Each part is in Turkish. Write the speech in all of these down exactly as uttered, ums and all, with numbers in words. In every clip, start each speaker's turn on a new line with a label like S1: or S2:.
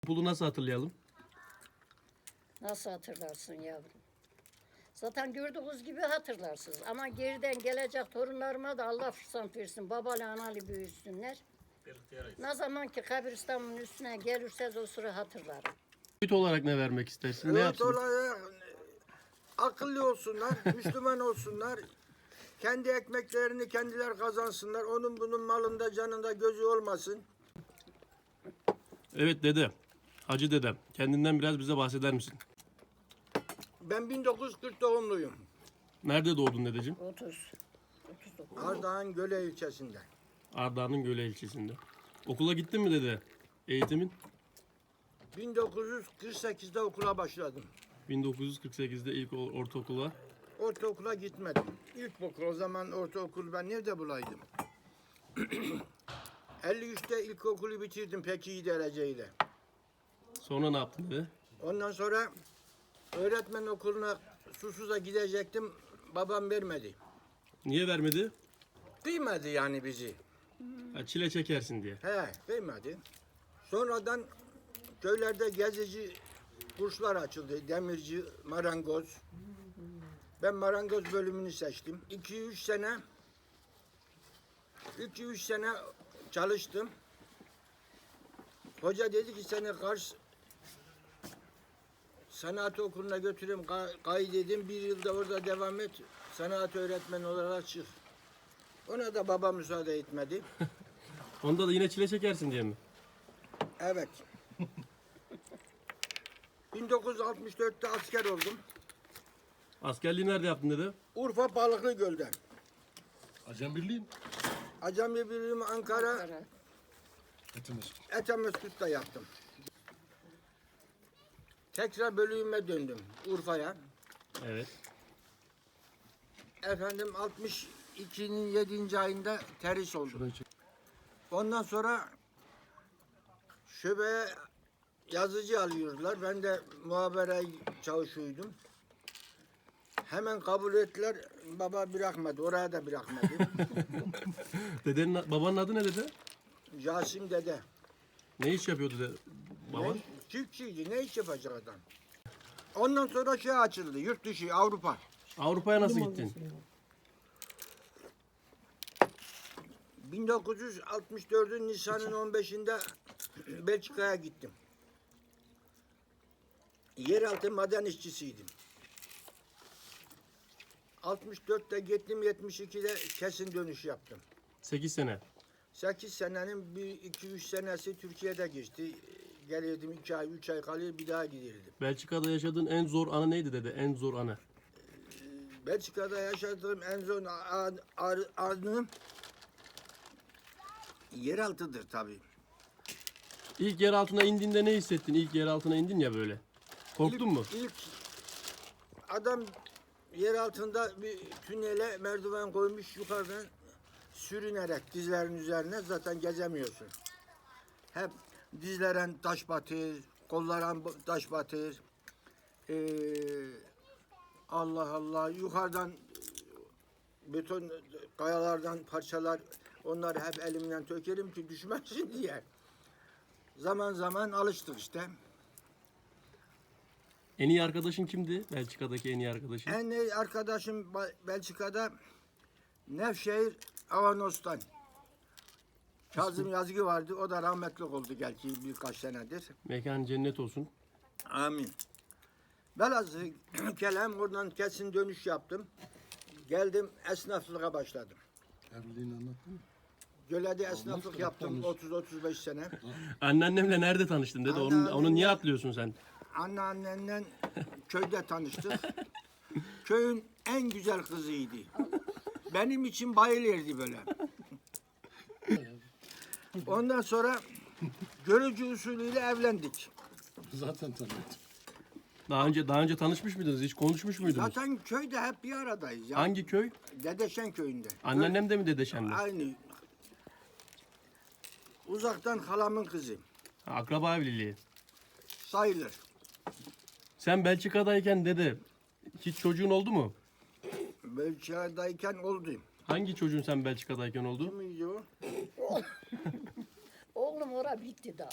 S1: Pulu nasıl hatırlayalım?
S2: Nasıl hatırlarsın yavrum? Zaten gördüğünüz gibi hatırlarsınız. Ama geriden gelecek torunlarıma da Allah fırsat versin. Babalı analı büyüsünler. Ne zaman ki kabristanın üstüne gelirseniz o sıra hatırlarım.
S1: Öğüt olarak ne vermek istersin? Ne
S3: Evet,
S1: yapsın?
S3: olarak akıllı olsunlar, Müslüman olsunlar. Kendi ekmeklerini kendiler kazansınlar. Onun bunun malında canında gözü olmasın.
S1: Evet dede. Hacı dedem. Kendinden biraz bize bahseder misin?
S3: Ben bin dokuz yüz kırk doğumluyum.
S1: Nerede doğdun dedeciğim?
S2: otuz. otuz dokuz.
S3: Ardahan Göle ilçesinde.
S1: Ardahan'ın Göle ilçesinde. Okula gittin mi dede? Eğitimin?
S3: bin dokuz yüz kırk sekizde okula başladım.
S1: bin dokuz yüz kırk sekizde ilk o- ortaokula.
S3: Ortaokula gitmedim. İlkokul, o zaman ortaokul ben nerede bulaydım? elli üçte ilkokulu bitirdim pek iyi dereceyle.
S1: Sonra ne yaptın dede?
S3: Ondan sonra öğretmen okuluna Susuz'a gidecektim. Babam vermedi.
S1: Niye vermedi?
S3: Kıymadı yani bizi.
S1: Ha, çile çekersin diye.
S3: He, kıymadı. Sonradan köylerde gezici kurslar açıldı. Demirci, marangoz. Ben marangoz bölümünü seçtim. iki üç sene iki üç sene çalıştım. Hoca dedi ki seni Kars sanat okuluna götüreyim, ka- kaydedim. Bir yılda orada devam et. Sanat öğretmeni olarak çık. Ona da baba müsaade etmedi.
S1: Onda da yine çile çekersin diye mi?
S3: Evet. bin dokuz yüz altmış dörtte asker oldum.
S1: Askerliği nerede yaptın dede?
S3: Urfa Balıklıgöl'de.
S4: Ajan Birliği
S3: Acemi Birliği Ankara
S2: Ankara.
S4: Etimiz.
S3: Etemeskut'ta yaptım. Tekrar bölüğüme döndüm Urfa'ya.
S1: Evet.
S3: Efendim altmış ikinin yedinci ayında terhis oldum.
S4: Şurayı çek.
S3: Ondan sonra şubeye yazıcı alıyorlar. Ben de muhabere çalışıyordum. Hemen kabul ettiler. Baba bırakmadı. Oraya da bırakmadı.
S1: Dedenin, babanın adı ne dede?
S3: Casim dede.
S1: Ne iş yapıyordu dede? Baban?
S3: Ne? Çiftçiydi. Ne iş yapacak adam? Ondan sonra şey açıldı. Yurt dışı Avrupa.
S1: Avrupa'ya nasıl gittin?
S3: bin dokuz yüz altmış dördün Nisan'ın on beşinde Belçika'ya gittim. Yeraltı maden işçisiydim. altmış dörtte gittim, yetmiş ikide kesin dönüş yaptım.
S1: sekiz sene.
S3: sekiz senenin bir iki üç senesi Türkiye'de geçti. Gelirdim iki ay, üç ay kalır bir daha giderdim.
S1: Belçika'da yaşadığın en zor anı neydi dede? En zor anı.
S3: Belçika'da yaşadığım en zor an- an- anım yeraltıdır tabii.
S1: İlk yer altına indiğinde ne hissettin? İlk yer altına indin ya böyle. Korktun
S3: İlk-
S1: mu?
S3: İlk adam yer altında bir tünele merdiven koymuş yukarıdan sürünerek dizlerin üzerine zaten gezemiyorsun. Hep dizlerin taş batır, kolların taş batır. Ee, Allah Allah yukarıdan beton kayalardan parçalar onları hep elimden tökerim ki düşmesin diye. Zaman zaman alıştık işte.
S1: En iyi arkadaşın kimdi? Belçika'daki en iyi arkadaşın.
S3: En iyi arkadaşım Ba- Belçika'da Nevşehir Avanos'tan. Kazım Yazgı vardı. O da rahmetli oldu gerçi birkaç senedir.
S1: Mekan cennet olsun.
S3: Amin. Velhasıl kelam oradan kesin dönüş yaptım. Geldim esnaflığa başladım.
S4: Evliliğini anlattın mı?
S3: Göle'de esnaflık
S4: Olmaz,
S3: yaptım
S4: yapmamış.
S3: otuz otuz beş sene.
S1: Anneannemle nerede tanıştın dede? Onu, onu niye
S3: Anneannemle-
S1: atlıyorsun sen?
S3: Anneannenle köyde tanıştık. Köyün en güzel kızıydı. Benim için bayılırdı böyle. Ondan sonra görücü usulüyle evlendik.
S4: Zaten tanıyordum.
S1: Daha önce daha önce tanışmış mıydınız? Hiç konuşmuş muydunuz?
S3: Zaten köyde hep bir aradayız. Ya.
S1: Hangi köy?
S3: Dedeşen köyünde.
S1: Anneannem de mi dedeşen mi?
S3: Aynı. Uzaktan halamın kızı.
S1: Ha, akraba evliliği.
S3: Sayılır.
S1: Sen Belçika'dayken dede hiç çocuğun oldu mu?
S3: Belçika'dayken oldu.
S1: Hangi çocuğun sen Belçika'dayken oldu?
S3: Kimiydi o?
S2: Oğlum ora bitti daha.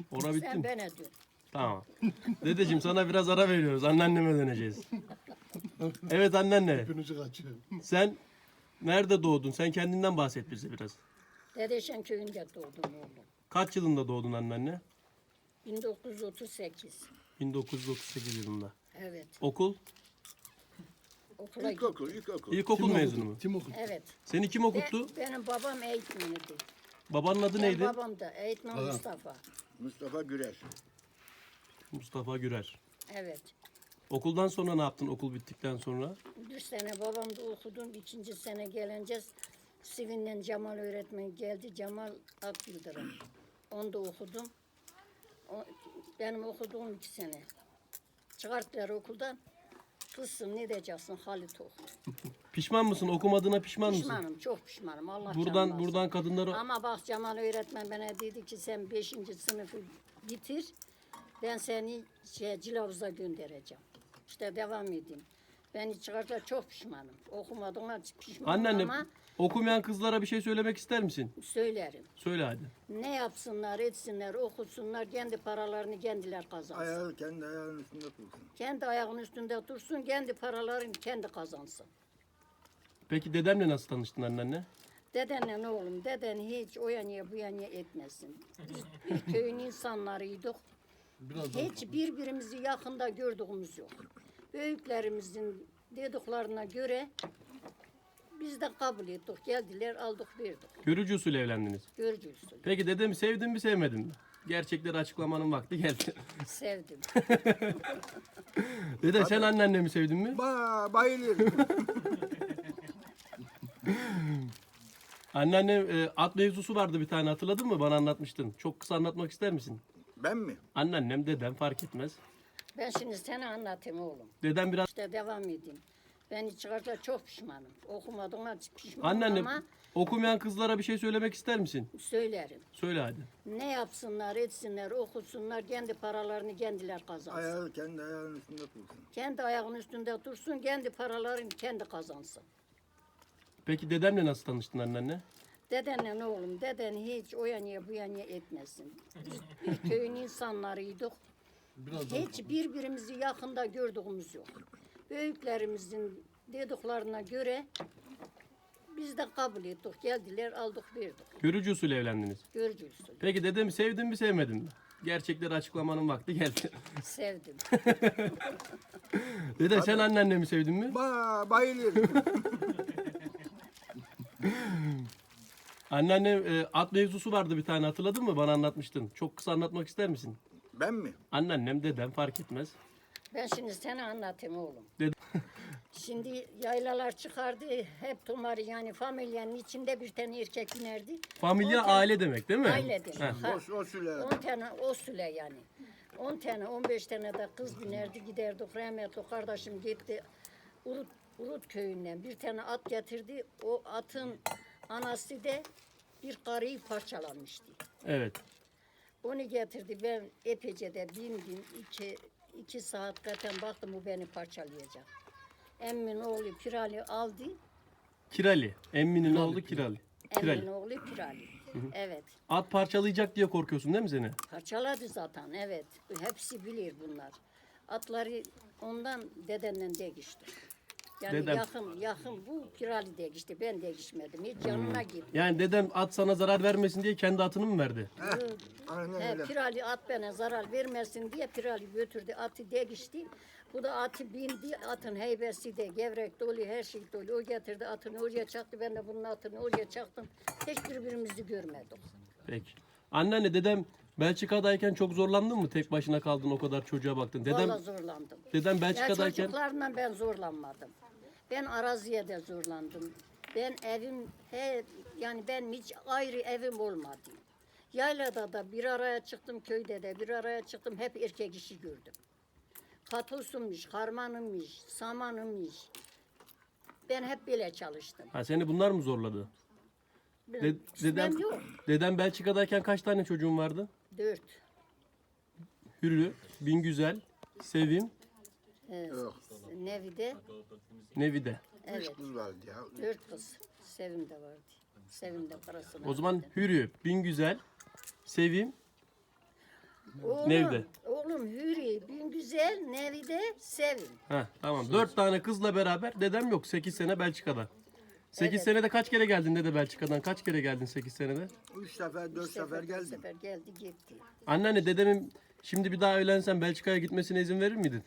S1: Ora bitti
S2: Sen
S1: mi?
S2: bana dön.
S1: Tamam. Dedeciğim sana biraz ara veriyoruz. Anneanneme döneceğiz. Evet anneanne.
S4: Hepinizi kaçıyor.
S1: Sen nerede doğdun? Sen kendinden bahset bize biraz.
S2: Dedeşen köyünde doğdum oğlum.
S1: Kaç yılında doğdun anneanne?
S2: bin dokuz yüz otuz sekiz.
S1: bin dokuz yüz otuz sekiz yılında.
S2: Evet.
S1: Okul?
S2: Okula
S3: İlkokul,
S2: gittim.
S3: ilkokul.
S1: İlkokul mezunu mu?
S4: Kim okudu?
S2: Evet.
S1: Seni kim
S2: Be-
S1: okuttu?
S2: benim babam eğitmeniydi.
S1: Babanın adı
S2: Benim
S1: neydi?
S2: babam da eğitmen
S4: Adam.
S2: Mustafa.
S3: Mustafa Gürer.
S1: Mustafa Gürer.
S2: Evet.
S1: Okuldan sonra ne yaptın okul bittikten sonra?
S2: Bir sene babam da okudum. İkinci sene gelince Sivin'den Cemal öğretmen geldi. Cemal Akyıldırım. Onu da okudum. O, benim okuduğum iki sene. Çıkarttılar okuldan. Kızsın ne diyeceksin Halit oku.
S1: Pişman mısın? Okumadığına pişman mısın?
S2: Pişmanım, çok pişmanım. Allah
S1: Buradan
S2: canını alsın.
S1: buradan kadınlara
S2: Ama bak Cemal öğretmen bana dedi ki sen beşinci sınıfı bitir. Ben seni şey, Cilavuz'a göndereceğim. İşte devam edeyim. Beni çıkarsa çok pişmanım. Okumadığıma pişmanım
S1: anneanne
S2: ama
S1: okumayan kızlara bir şey söylemek ister misin?
S2: söylerim.
S1: Söyle hadi.
S2: Ne yapsınlar, etsinler, okusunlar, kendi paralarını kendiler kazansın.
S3: Ayağı kendi ayağının üstünde dursun.
S2: Kendi ayağının üstünde dursun, kendi paralarını kendi kazansın.
S1: Peki dedemle nasıl tanıştın anneanne?
S2: Dedenle ne oğlum, deden hiç o yanıya bu yanıya etmesin. Biz bir köyün insanlarıydık.
S4: Biraz daha.
S2: Hiç birbirimizi yakında gördüğümüz yok. Büyüklerimizin dediklerine göre biz de kabul ettik. Geldiler aldık verdik.
S1: Görücü usulü evlendiniz.
S2: Görücü usulü.
S1: Peki dedemi sevdin mi sevmedin mi? Gerçekleri açıklamanın vakti geldi.
S2: Sevdim.
S1: Dede sen anneannemi sevdin mi?
S3: Ba bayılır.
S1: Anneannem e, at mevzusu vardı bir tane hatırladın mı? Bana anlatmıştın. Çok kısa anlatmak ister misin?
S3: Ben mi?
S1: Anneannem, dedem fark etmez.
S2: Ben şimdi sana anlatayım oğlum.
S1: Dedem biraz...
S2: İşte devam edeyim. Beni çıkarsa çok pişmanım. Okumadığıma pişmanım
S1: Anneannem
S2: ama
S1: okumayan kızlara bir şey söylemek ister misin?
S2: söylerim.
S1: Söyle hadi.
S2: Ne yapsınlar, etsinler, okusunlar, kendi paralarını kendiler kazansın.
S3: Ayağı kendi ayağının üstünde dursun.
S2: Kendi ayağının üstünde dursun, kendi paralarını kendi kazansın.
S1: Peki dedemle nasıl tanıştın anneanne?
S2: Dedenle ne oğlum, deden hiç o yanıya bu yanıya etmesin. Biz bir köyün insanlarıydık.
S4: Biraz daha.
S2: Hiç birbirimizi yakında gördüğümüz yok. Büyüklerimizin dediklerine göre biz de kabul ettik. Geldiler aldık verdik.
S1: Görücü usulü evlendiniz.
S2: Görücü usulü.
S1: Peki dedemi sevdin mi sevmedin mi? Gerçekleri açıklamanın vakti geldi.
S2: Sevdim.
S1: Dede sen anneannemi sevdin mi?
S3: Ba bayılır.
S1: Anneannem e, at mevzusu vardı bir tane hatırladın mı? Bana anlatmıştın. Çok kısa anlatmak ister misin?
S3: Ben mi?
S1: Anneannem, dedem fark etmez.
S2: Ben şimdi sana anlatayım oğlum.
S1: Dede-
S2: Şimdi yaylalar çıkardı. Hep tumarı yani familyanın içinde bir tane erkek binerdi.
S1: Familya
S2: On tane-
S1: aile demek değil mi?
S2: Aile demek.
S1: Heh.
S2: Ha.
S3: O, o süle.
S2: on tane o süle yani. on tane on beş tane de kız binerdi giderdik. Rahmetli kardeşim gitti. Urut, Urut köyünden bir tane at getirdi. O atın anası da bir karıyı parçalamıştı.
S1: Evet.
S2: Onu getirdi. Ben epeyce de bindim. İki, iki saat zaten baktım bu beni parçalayacak. Emmin oğlu Pirali aldı.
S1: Kirali. Emminin oğlu Kirali.
S2: Emmin
S1: Kirali.
S2: oğlu Pirali. Evet.
S1: At parçalayacak diye korkuyorsun değil mi seni?
S2: Parçaladı zaten evet. Hepsi bilir bunlar. Atları ondan dedenden değişti. Yani
S1: Dedem.
S2: yakın yakın bu Pirali değişti. Ben değişmedim. Hiç yanına gittim.
S1: Yani dedem at sana zarar vermesin diye kendi atını mı verdi?
S3: Aynen
S2: He,
S3: öyle.
S2: Pirali at bana zarar vermesin diye Pirali götürdü atı değişti. Bu da atı bindi. Atın heybesi de gevrek dolu her şey dolu. O getirdi atını oraya çaktı. Ben de bunun atını oraya çaktım. Hiç birbirimizi görmedik.
S1: Peki. Anneanne dedem Belçika'dayken çok zorlandın mı? Tek başına kaldın o kadar çocuğa baktın. Dedem
S2: Vallahi zorlandım.
S1: dedem
S2: Ya
S1: Belçika'dayken
S2: çocuklarla ben zorlanmadım. Ben araziye de zorlandım. Ben evim he, yani ben hiç ayrı evim olmadı. Yaylada da bir araya çıktım, köyde de bir araya çıktım. Hep erkek işi gördüm. Patosummuş, harmanımmış, samanımmış. Ben hep böyle çalıştım.
S1: ha, seni bunlar mı zorladı?
S2: Ben,
S1: De- dedem
S2: ben yok.
S1: dedem Belçika'dayken kaç tane çocuğun vardı?
S2: Dört.
S1: Hürrü, Bingüzel, Sevim,
S2: Evet.
S3: Yok.
S2: Nevi'de,
S1: Nevide.
S2: evet.
S3: Kız vardı ya.
S2: Dört kız. Sevim de vardı. Sevim de parasını
S1: O zaman
S2: aldı.
S1: Hürrü, Bingüzel, Sevim,
S2: Oğlum,
S1: Nevde.
S2: Oğlum Hürri, Bingüzel, Nevide, Sevim.
S1: Heh, tamam. Dört tane kızla beraber dedem yok. Sekiz sene Belçika'da. Sekiz
S2: Evet.
S1: senede kaç kere geldin dede Belçika'dan? Kaç kere geldin sekiz senede?
S3: Üç sefer, dört
S2: Bir
S3: sefer
S2: bir
S3: geldim.
S2: sefer geldi gitti.
S1: Anneanne dedemin şimdi bir daha evlensen Belçika'ya gitmesine izin verir miydin?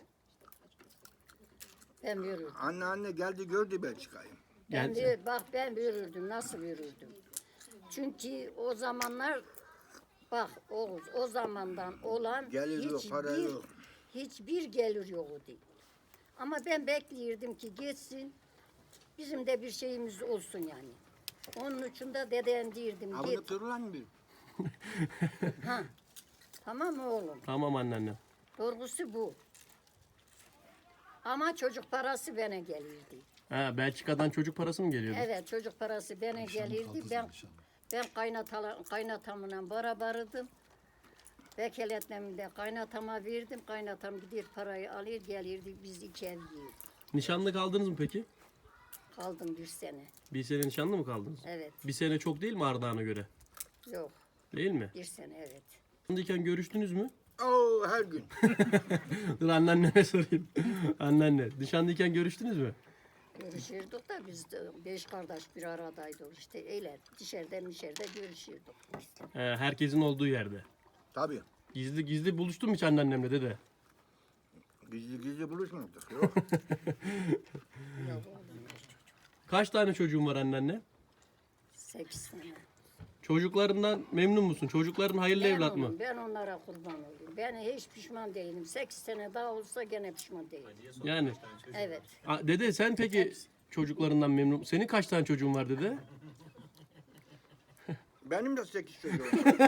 S2: Ben verirdim.
S3: Anne anne geldi gördü Belçika'yı.
S2: Ben
S1: Yani-
S2: ver- bak ben verirdim. Nasıl verirdim? Çünkü o zamanlar bak Oğuz o zamandan olan
S3: Gelir yok, para
S2: hiçbir,
S3: yok.
S2: hiçbir gelir yoktu. Ama ben bekliyordum ki geçsin. Bizim de bir şeyimiz olsun yani. Onun için de deden dirdim
S3: Avını
S2: git.
S3: dur lan bir.
S2: Ha. Tamam mı oğlum?
S1: Tamam anneannem.
S2: Doğrusu bu. Ama çocuk parası bana gelirdi.
S1: Ha, Belçika'dan çocuk parası mı geliyordu?
S2: Evet çocuk parası bana gelirdi. Ben ben kaynatala, kaynatamla beraberdim. Vekaletnemi de kaynatama verdim. Kaynatam gider parayı alır gelirdi. Biz iki ev yiyorduk.
S1: Nişanlı kaldınız mı peki?
S2: Kaldım bir sene.
S1: Bir sene nişanlı mı kaldınız?
S2: Evet.
S1: Bir sene çok değil mi Ardahan'a göre?
S2: Yok.
S1: Değil mi?
S2: Bir sene evet.
S1: Nişanlıyken görüştünüz mü?
S3: Oo her gün.
S1: Dur anneanneme sorayım. Anneanne, nişanlıyken görüştünüz mü?
S2: Görüşürdük da biz de beş kardeş bir aradaydık işte öyle dışarıda dışarıda görüşürdük.
S1: Ee, herkesin olduğu yerde.
S3: Tabii.
S1: Gizli gizli buluştun mu hiç anneannemle dede?
S3: Gizli gizli buluşmadık. Yok.
S2: Yok oğlum yok.
S1: Kaç tane çocuğun var anneanne?
S2: Sekiz sene.
S1: Çocuklarından memnun musun? Çocukların hayırlı
S2: Ben,
S1: evlat mı?
S2: onun- ben onlara kurban olayım. Ben hiç pişman değilim. Sekiz sene daha olsa gene pişman değilim.
S1: Yani.
S2: Evet.
S1: A, dede sen peki çocuklarından memnun Senin kaç tane çocuğun var dede?
S3: Benim de sekiz çocuğum.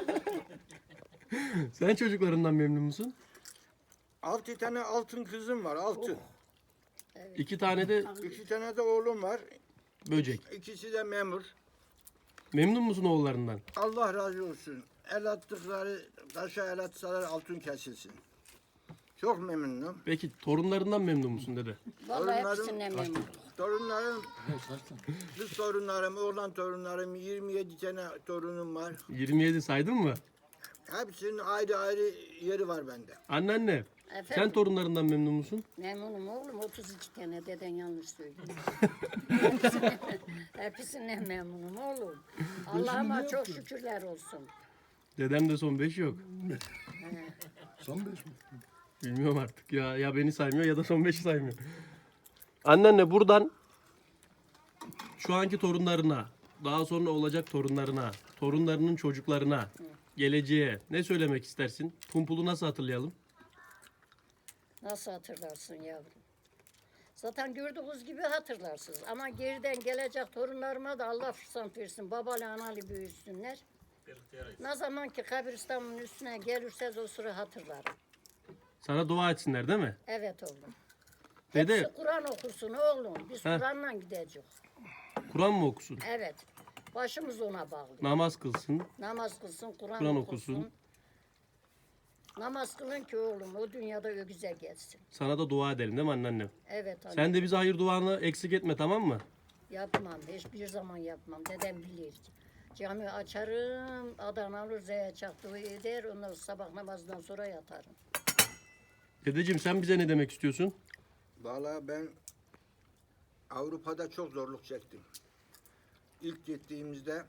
S1: Sen çocuklarından memnun musun?
S3: Altı tane altın kızım var. Altı.
S1: İki tane de
S3: İki tane de oğlum var.
S1: böcek.
S3: İkisi de memur.
S1: Memnun musun oğullarından?
S3: Allah razı olsun. El attıkları, taşa el atsalar altın kesilsin. Çok memnunum.
S1: Peki torunlarından memnun musun dede?
S2: Vallahi
S3: Torunlarım-
S2: hepsine memnunum.
S3: Torunlarım, kız torunlarım, oğlan torunlarım, yirmi yedi tane torunum var.
S1: yirmi yedi saydın mı?
S3: Hepsinin ayrı ayrı yeri var bende.
S1: Anneanne, sen
S2: Efendim?
S1: torunlarından memnun musun?
S2: Memnunum oğlum. otuz iki tane deden yanlış söylüyor. hepsine, hepsine memnunum oğlum. Allah'ıma çok şükürler olsun.
S1: Dedemde son beş yok.
S4: Son beş mi?
S1: Bilmiyorum artık ya. Ya beni saymıyor ya da son beşi saymıyor. Anneanne buradan şu anki torunlarına, daha sonra olacak torunlarına, torunlarının çocuklarına, geleceğe ne söylemek istersin? Kumpul'u nasıl hatırlayalım?
S2: Nasıl hatırlarsın yavrum? Zaten gördüğünüz gibi hatırlarsınız. Ama geriden gelecek torunlarıma da Allah fırsat versin. Babalı analı büyüsünler. Ne zaman ki kabristanın üstüne gelirseniz o sıra hatırlarım.
S1: Sana dua etsinler değil mi?
S2: Evet oğlum.
S1: Dede,
S2: Hepsi Kur'an okursun oğlum. Biz
S1: Heh.
S2: Kur'an'la gideceğiz.
S1: Kur'an mı okusun?
S2: Evet. Başımız ona bağlı.
S1: Namaz kılsın.
S2: Namaz kılsın, Kur'an
S1: Kur'an
S2: okusun.
S1: okusun.
S2: Namaz kılın ki oğlum o dünyada ögüze gelsin.
S1: Sana da dua edelim değil mi anneannem?
S2: Evet anne.
S1: Sen de bize hayır duanı eksik etme tamam mı?
S2: Yapmam. Hiçbir zaman yapmam. Dedem bilir. Cami açarım, Adanalı Z'ye çaktığı eder. Ondan sonra sabah namazından sonra yatarım.
S1: Dedeciğim sen bize ne demek istiyorsun?
S3: Vallahi ben Avrupa'da çok zorluk çektim. İlk gittiğimizde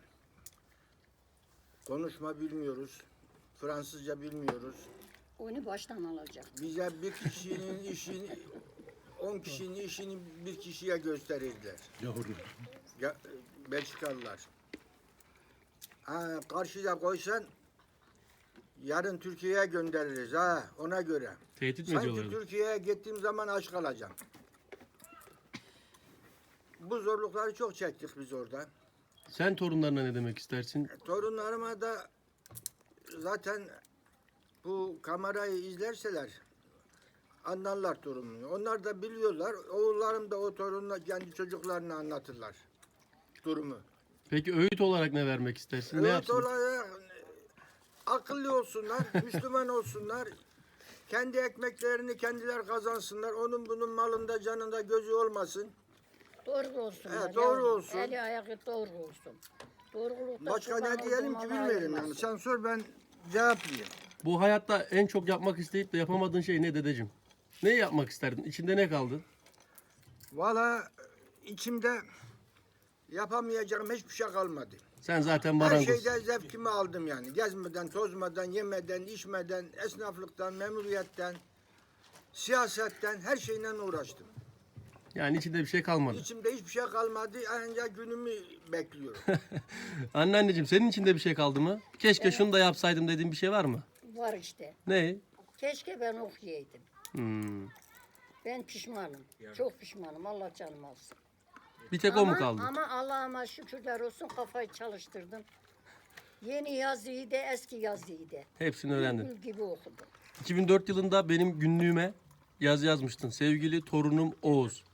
S3: konuşma bilmiyoruz. Fransızca bilmiyoruz.
S2: Onu baştan alacak.
S3: Bize bir kişinin işini, on kişinin işini bir kişiye gösterirler.
S4: Yavrum.
S3: Ya, Belçikalılar. Ha, karşıya koysan yarın Türkiye'ye göndeririz ha ona göre.
S1: Tehdit mi
S3: Sanki
S1: ediyorlardı?
S3: Türkiye'ye gittiğim zaman aç kalacağım. Bu zorlukları çok çektik biz orada.
S1: Sen torunlarına ne demek istersin?
S3: Torunlarıma da zaten bu kamerayı izlerseler anlarlar torununu. Onlar da biliyorlar. Oğullarım da o torunla kendi çocuklarına anlatırlar durumu.
S1: Peki öğüt olarak ne vermek istersin? Ne
S3: Evet
S1: yapsın?
S3: olarak akıllı olsunlar, Müslüman olsunlar. Kendi ekmeklerini kendiler kazansınlar. Onun bunun malında canında gözü olmasın.
S2: Doğru olsun.
S3: Evet, doğru olsun.
S2: Eli ayağı doğru olsun. Doğrulukta
S3: Başka
S2: kurban
S3: ne diyelim ki
S2: olduğum
S3: bilmiyorum
S2: Allah
S3: yani.
S2: ayırmasın.
S3: Sen sor ben cevaplayayım.
S1: Bu hayatta en çok yapmak isteyip de yapamadığın şey ne dedeciğim? Ne yapmak isterdin? İçinde ne kaldı?
S3: Valla içimde yapamayacağım hiçbir şey kalmadı.
S1: Sen zaten
S3: Her
S1: marangozsun.
S3: şeyden zevkimi aldım yani. Gezmeden, tozmadan, yemeden, içmeden, esnaflıktan, memuriyetten, siyasetten her şeyle uğraştım.
S1: Yani içinde bir şey kalmadı.
S3: İçimde hiçbir şey kalmadı. Ancak günümü bekliyorum.
S1: Anneanneciğim senin içinde bir şey kaldı mı? Keşke şunu da yapsaydım dediğin bir şey var mı?
S2: Var işte.
S1: Ne?
S2: Keşke ben okuyaydım.
S1: Hmm.
S2: Ben pişmanım. Çok pişmanım. Allah canımı alsın.
S1: Bir tek o
S2: ama,
S1: mu kaldı?
S2: Ama Allah'ıma şükürler olsun kafayı çalıştırdım. Yeni yazıyı da eski yazıyı da.
S1: Hepsini öğrendin.
S2: Gül gibi okudum.
S1: iki bin dört yılında benim günlüğüme yaz yazmıştın. Sevgili torunum Oğuz.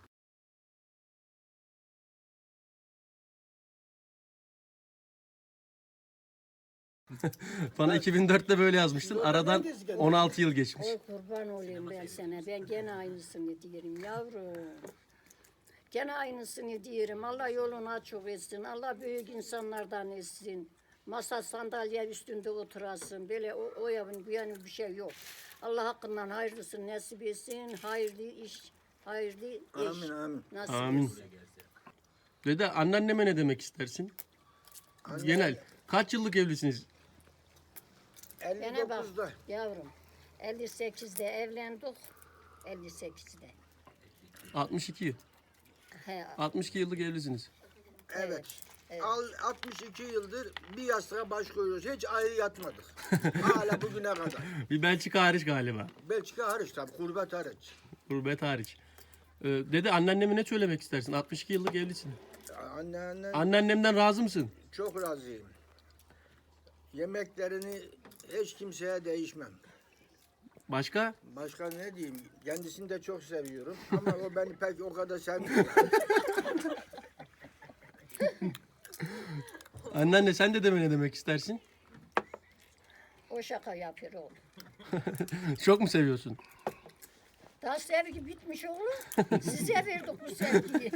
S1: Bana iki bin dörtte böyle yazmıştın. Aradan on altı yıl geçmiş.
S2: Oy kurban olayım ben sana. Ben gene aynısını diyelim yavrum. Gene aynısını diyelim. Allah yolunu açık etsin. Allah büyük insanlardan etsin. Masa sandalye üstünde oturasın. Böyle o, o yanın bu yanın bir şey yok. Allah hakkından hayırlısını nasip etsin. Hayırlı iş, hayırlı eş.
S3: Amin, amin.
S2: Nasip
S1: Amin.
S2: etsin.
S1: Dede anneanneme ne demek istersin?
S3: Anne,
S1: Genel. Kaç yıllık evlisiniz?
S2: Bana bak
S3: elli dokuzda.
S2: yavrum. elli sekizde evlendik. elli sekizde.
S1: altmış iki.
S2: He,
S1: altmış iki yıllık evlisiniz.
S3: Evet.
S2: evet.
S3: Al altmış iki yıldır bir yastığa baş koyuyoruz. Hiç ayrı yatmadık. Hala bugüne kadar.
S1: Bir Belçika hariç galiba.
S3: Belçika hariç tabii, gurbet hariç.
S1: Gurbet hariç. Ee, dede anneanneme ne söylemek istersin? altmış iki yıllık evlisin.
S3: Anne anne
S1: Anneannemden razı mısın?
S3: çok razıyım. Yemeklerini hiç kimseye değişmem.
S1: Başka?
S3: Başka ne diyeyim? Kendisini de çok seviyorum ama o beni pek o kadar sevmiyor.
S1: Anneanne sen de deme ne demek istersin?
S2: O şaka yapıyor oğlum.
S1: Çok mu seviyorsun?
S2: Daha sevgi bitmiş oğlum. Size verdik bu sevgiyi.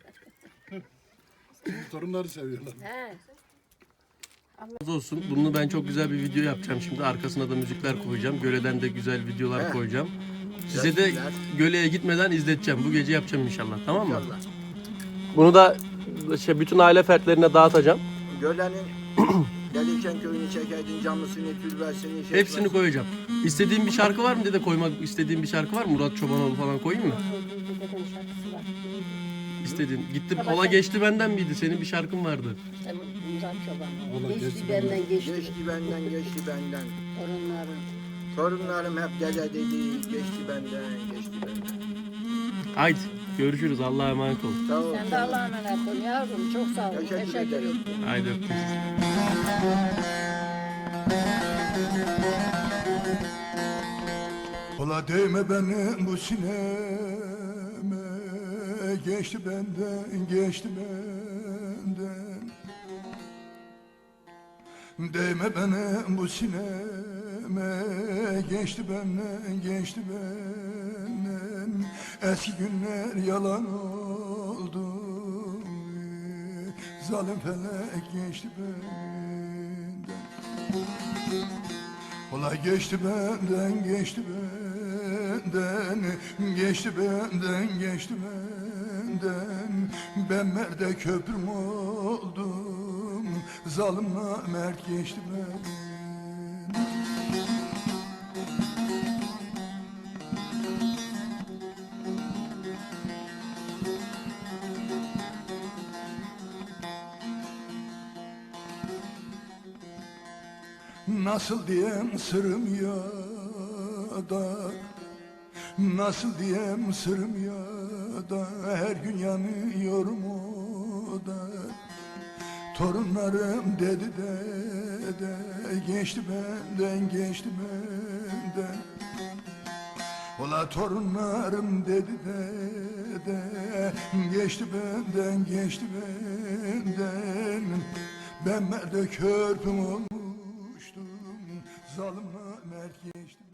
S4: Torunları seviyorlar.
S2: He.
S1: Razı olsun. Bunu ben çok güzel bir video yapacağım şimdi. Arkasına da müzikler koyacağım. Göleden de güzel videolar
S3: He.
S1: koyacağım. Size de
S3: Güzel.
S1: Göle'ye gitmeden izleteceğim. Bu gece yapacağım inşallah. Tamam mı?
S3: İnşallah.
S1: Bunu da şey, bütün aile fertlerine dağıtacağım.
S3: Gölenin Gelirken köyünü çekeydin, camısını, türbesini, şey
S1: Hepsini koyacağım. İstediğin bir şarkı var mı dede? Koymak istediğin bir şarkı var mı? Murat Çobanoğlu falan koyayım mı?
S2: şarkısı var.
S1: İstediğin. Gittim. Ola geçti benden miydi? Senin bir şarkın vardı.
S2: İşte Murat Çoban.
S4: Ola
S2: Geçti
S4: geçti
S2: benden geçti.
S3: Geçti benden, geçti benden.
S2: Torunlarım.
S3: Torunlarım hep dede dedi, geçti benden, geçti benden.
S1: Haydi. Görüşürüz. Allah'a emanet ol.
S3: Sağ ol.
S2: Sen de Allah'a emanet ol yavrum. Çok sağ ol.
S3: Teşekkür
S2: Teşekkür
S3: ederim.
S2: ederim.
S1: Haydi öptüm.
S4: Ola değme benim bu sineme, geçti benden, geçti benden. Değme benim bu sineme, geçti benden, geçti benden. Eski günler yalan oldu, zalim felek geçti benden. Ola geçti benden, geçti benden, geçti benden, geçti benden. Ben merde köprüm oldum, zalim namert geçti benden. Nasıl diyem sırrım ya da, nasıl diyem sırrım ya da, her gün yanıyorum o da. Torunlarım dedi de, de geçti benden, geçti benden. Ola torunlarım dedi de, de geçti benden, geçti benden. Ben merde körpüm olmuştum, zalim namert geçti.